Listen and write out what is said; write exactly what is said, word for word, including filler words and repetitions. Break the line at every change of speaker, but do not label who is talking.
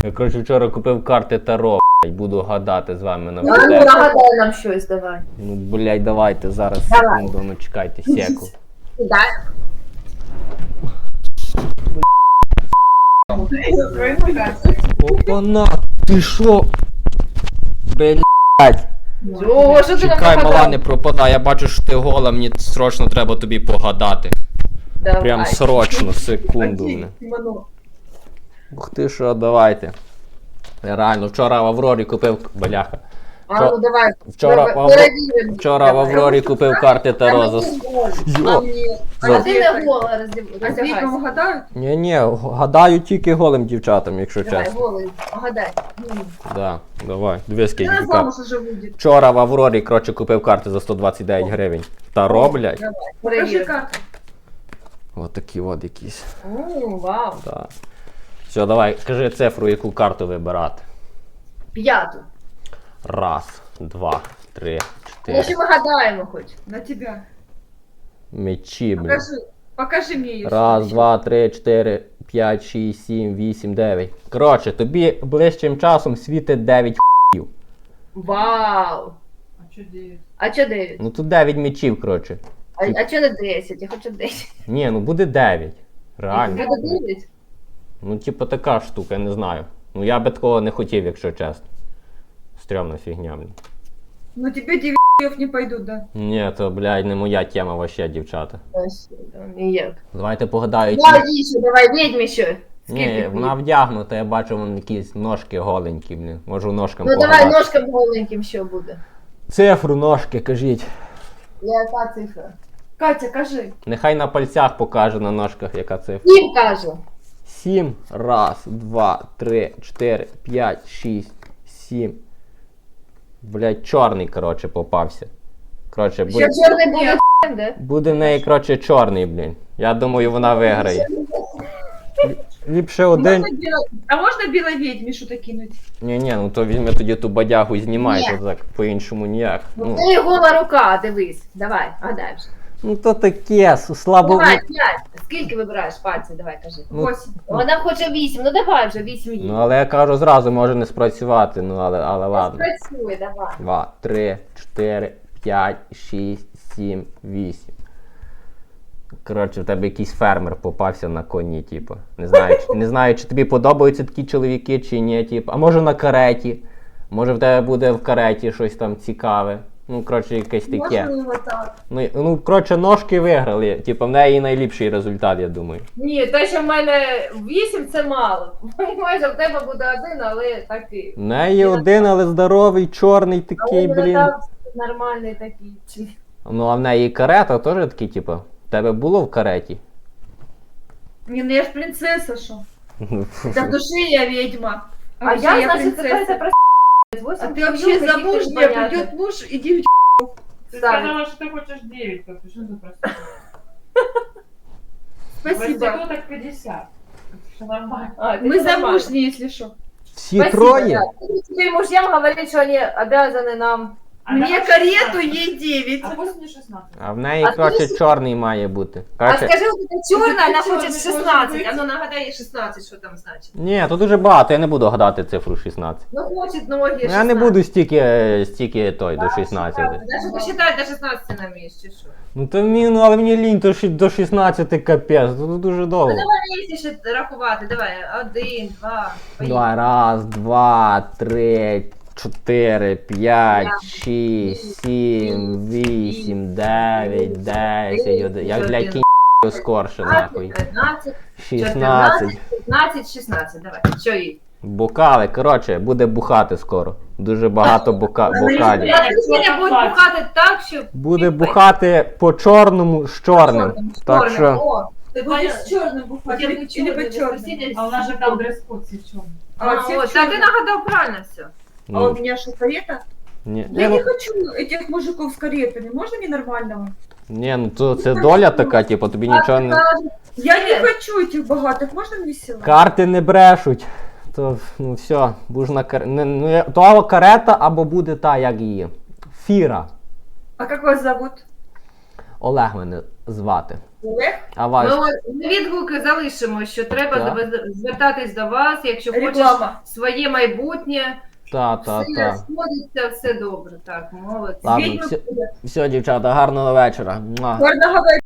Я, коротше, вчора купив карти Таро, блядь, буду гадати з вами на
Ну,
буде.
нагадай нам щось, давай.
Ну, блядь, давайте зараз,
Давай.
секунду, ну чекайте, секу.
Дай.
Опана, ти шо? Блядь.
О, що ти нам
Чекай, мала,
нагадав?
не пропадай, я бачу, що ти гола, мені срочно треба тобі погадати.
Давай.
Прям срочно, секунду.
Окей,
Не.
Івано.
Ух ти що, давайте. Я реально, вчора в Аврорі купив, бляха.
А, ну давай.
Вчора,
Пере-
в, Авро-
перевіримо.
вчора в
Давай.
Аврорі купив карти Таро за... Йо.
А ти не гола роздягайся.
А віком гадають?
Ні-ні, гадаю тільки голим дівчатам, якщо
Давай,
чесно.
голий, погадай. М.
Да, давай, дві скільки
Вона
карт.
замуж уже вийде.
Вчора в Аврорі, коротше, купив карти за сто двадцять дев'ять гривень. Таро, блядь.
Давай,
Покажи
перевіримо.
карту.
От такі от якісь.
О, вау.
Да. Все, давай, кажи цифру, яку карту вибирати.
П'яту.
Раз, два, три,
Ну, що
чотири.
ми гадаємо хоч.
На тебя.
Мечі, блін.
Покажи. Покажи мне ее.
Раз, два, три, чотири, п'ять, шість, сім, вісім, дев'ять. Коротше, тобі ближчим часом світить дев'ять х**ів.
Вау.
А что девять?
А чо дев'ять?
Ну тут дев'ять мечів, коротше.
А, а чо не десять? Я хочу десять.
Ні, ну буде дев'ять. Реально.
Буде дев'ять?
Ну, типу, така штука, я не знаю. Ну я би такого не хотів, якщо чесно. Стрьомна фігня, блін.
Ну тебе девять не пойдут, да?
Ні, то, блядь, не моя тема вообще, дівчата.
Ніяк.
Давайте погадаю.
Давай, Ішу, давай, відьмі ще.
Ні, вона вдягнута, я бачу, вон якісь ножки голенькі, блін. Можу ножкам
Ну
погадати.
давай, ножком голеньким що буде.
Цифру ножки, кажіть.
Яка цифра?
Катя, кажи.
Нехай на пальцях покаже на ножках, яка цифра.
Сім кажу.
Сім. Раз, два, три, чотири, п'ять, шість, сім. Блядь, чорний, коротше, попався. Коротше,
Що
буде,
чорний буде де?
буде в неї, коротше, чорний, блін. Я думаю, вона виграє. Ліпше один.
Можно бело- А можно белой ведьме что-то кинуть?
Ні-ні, ну то візьме тоді ту бадягу і знімай,
Ні.
то так по-іншому ніяк.
Ну,
Ну,
це гола рука, дивись. Давай, гадай вже.
ну то таке, с- слабо.
Давай, п'ять. Скільки вибираєш пальців? Давай, кажи.
Ну,
Восемь.
Вона хоче вісім, ну давай вже вісім їй.
Ну, але я кажу зразу, може не спрацювати, ну але, але ладно.
Працює, давай.
Два, три, чотири, п'ять, шість, сім, вісім. Коротше, в тебе якийсь фермер попався на коні, типу. Не знаю, чи, не знаю, чи тобі подобаються такі чоловіки, чи ні, типу. А може на кареті. Може в тебе буде в кареті щось там цікаве. Ну, коротше, якесь таке.
Можно его так.
Ну, ну, коротше, ножки виграли. Типу, в неї найліпший результат, я думаю.
Ні, те, що в мене вісім, це мало. Майже в тебе буде один, але такий.
В неї один, але здоровий, чорний такий,
Але
блін.
там нормальний такий. Чи-
Ну, а в неї карета теж такий, типу. В тебе було в кареті?
Не, ну я ж принцесса, шо? Да в душе я ведьма.
А
вообще
я, значит,
принцесса.
какая-то
А ты вообще замужняя, придет муж и девять.
Ты
Ставит.
сказала, что ты хочешь девять, как ты что за проститутка?
Спасибо.
Проституток пятьдесят. Все нормально.
А, ты
Мы
нормально.
замужние, если что.
Всі
Спасибо,
троє?
да. Ты теперь мужьям говорить, что они обязаны нам.
А
Мне
давай
карету,
шестнадцать.
ей девять.
А пусть мне шестнадцать.
А в неї,
А
коротше,
ти-
чорний має бути.
А
Коротше,
скажи, вот это черная, она
Чёрный
хочет
может
шестнадцать.
быть.
А ну нагадай ей шестнадцать, что там значит.
ні, тут дуже багато, я не буду гадати цифру шістнадцять.
Ну хочет ноги
Ну,
шестнадцать.
я не буду стільки, стільки той, до шістнадцяти.
Даже посчитать до шестнадцати на місці, що?
Ну то мені, ну але мені лінь, то ще до шістнадцяти капець, тут дуже довго.
Ну давай місці ще рахувати, давай. Один, два, поїхали.
Давай, раз, два, три, чотири, п'ять, шість, сім, вісім, дев'ять, десять, один. Я, блядь, кінь скорше, нахуй.
тринадцять,
шістнадцять.
п'ятнадцять, шістнадцять, давай. Що їй?
Бокали, коротше, буде бухати скоро. Дуже багато бока... бокалів.
Сьогодні буде бухати так, що...
Буде бухати по чорному з чорним. Так що.
О,
Ты будешь с черным бухать или, или по черным?
А у нас же там дресс-код сейчас.
А,
А, все
от,
в
та ти
чёрном.
нагадав правильно все.
А у
Ну,
меня что, карета?
ні,
Я
ні,
не
ну,
хочу этих мужиков с каретами. Можно ненормального?
ні, ну то це доля така, типу, тобі нічого не.
Я не хочу этих богатых. Можно мне села?
Карти не брешуть. То ну все, бужна кар... не, ну, я- то або карета, або буде та, як її. Фіра.
А как вас зовут?
Олег мене звати.
Олег?
А вас?
Ми от відгуки залишимо, що треба
Так.
звез- звертатись до вас, якщо хочеш
Реклама.
своє майбутнє.
Та, та,
Все
та.
сходиться, все добре. Так, молодці.
Ладно,
Відьми
все,
буде.
все, дівчата, гарного вечора. Муа.
Гарного вечора.